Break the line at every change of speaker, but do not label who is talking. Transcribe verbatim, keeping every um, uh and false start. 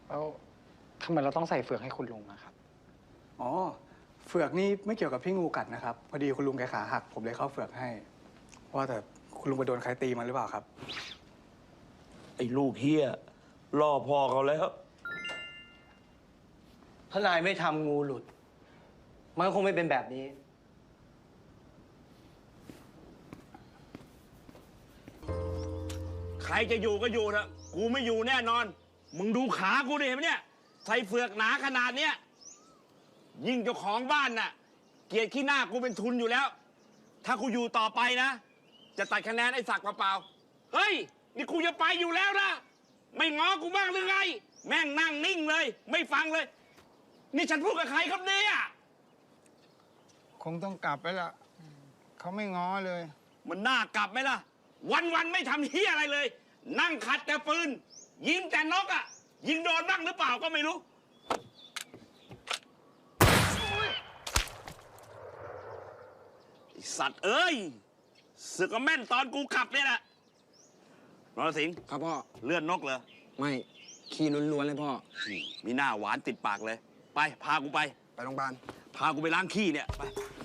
แล้วทำไมเราต้องใส่เฟือกให้คุณลุงอะครับ
อ๋อเฟือกนี่ไม่เกี่ยวกับพี่งูกัดนะครับพอดีคุณลุงแกขาหักผมเลยเข้าเฟือกให้ว่าแต่คุณลุงไปโดนใครตีมันหรือเปล่าครับ
ไอ้ลูกเฮียล่อพ่อเขาแล้ว
ถ้านายไม่ทำงูหลุดมันคงไม่เป็นแบบนี้
ใครจะอยู่ก็อยู่นะกูไม่อยู่แน่นอนมึงดูขากูดิเห็นไหมเนี่ยใส่เฟือกหนาขนาดเนี้ยยิ่งเจ้าของบ้านน่ะเกลียดขี้หน้ากูเป็นทุนอยู่แล้วถ้ากูอยู่ต่อไปนะจะตัดคะแนนไอ้ศักดิ์เปล่าๆเฮ้ยนี่กูจะไปอยู่แล้วนะไม่ง้อกูบ้างหรือไงแม่งนั่งนิ่งเลยไม่ฟังเลยนี่ฉันพูดกับใครครับเนี่ย
คงต้องกลับไปละเขาไม่ง้อเลย
มันน่ากลับไหมล่ะวันๆไม่ทำเฮียอะไรเลยนั่งขัดแต่ปืนยิงแต่นกอ่ะยิงโดนบ้างหรือเปล่าก็ไม่รู้ไอ้สัตว์เอ้ยสึกก็แม่นตอนกูขับเนี่ยแหละนรสิงห์
ครับพ่อ
เลื่อนนกเหรอ
ไม่ขี้ล้วนๆเลยพ่อ
มีหน้าหวานติดปากเลยไปพากูไป
ไปโรงพยาบาล
พากูไปล้างขี้เนี่ยไป